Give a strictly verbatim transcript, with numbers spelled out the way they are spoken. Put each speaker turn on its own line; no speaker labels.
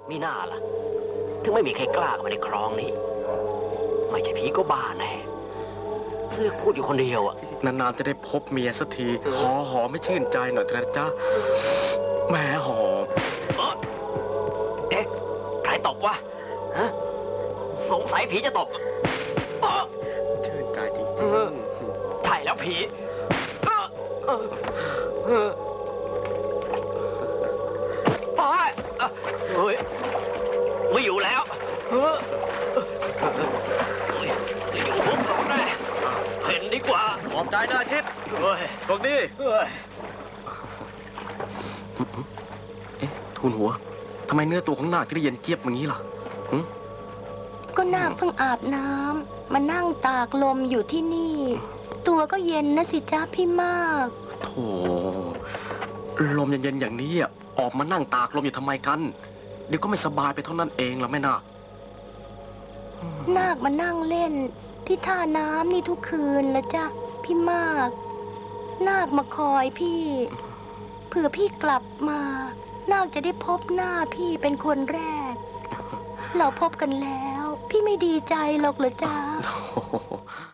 มีหน้าล่ะถึงไม่มีใครกล้าเข้ามาในคลองนี้ไม่ใช่ผีก็บ้าแน่เสือกพูดอยู่คนเดียวอ่ะ
นานๆจะได้พบเมียสักทีขอหอมไม่ชื่นใจหน่อยเถอะจ้าแหมหอม
เอ๊ะใครตบวะฮะสงสัยผีจะตบ
ชื่นใจจริง
ๆใช่แล้วผีเฮ้ยไม่อยู่แล้วเฮ้ยจะอยู่พวกเราแน่เห็นดีกว่า
ขอบใจนะอาทิตย์
เฮ้ย
ตรงนี้เอ๊ะทูลหัวทำไมเนื้อตัวของนาคที่ได้เย็นเจี๊ยบอย่างนี้ล่ะ
ก็นาคเพิ่งอาบน้ำมานั่งตากลมอยู่ที่นี่ ตัวก็เย็นนะสิจ้าพี่มาก
โธ่ลมเย็นๆอย่างนี้ออกมานั่งตากลมอยู่ทำไมกันเดี๋ยวก็ไม่สบายไปเท่านั้นเองล่ะแม่นาค
นาคมานั่งเล่นที่ท่าน้ำนี่ทุกคืนแล้วจ้ะพี่มากนาคมาคอยพี่เผื่อพี่กลับมานาคจะได้พบหน้าพี่เป็นคนแรกเราพบกันแล้วพี่ไม่ดีใจหรอกเหรอจ๊ะ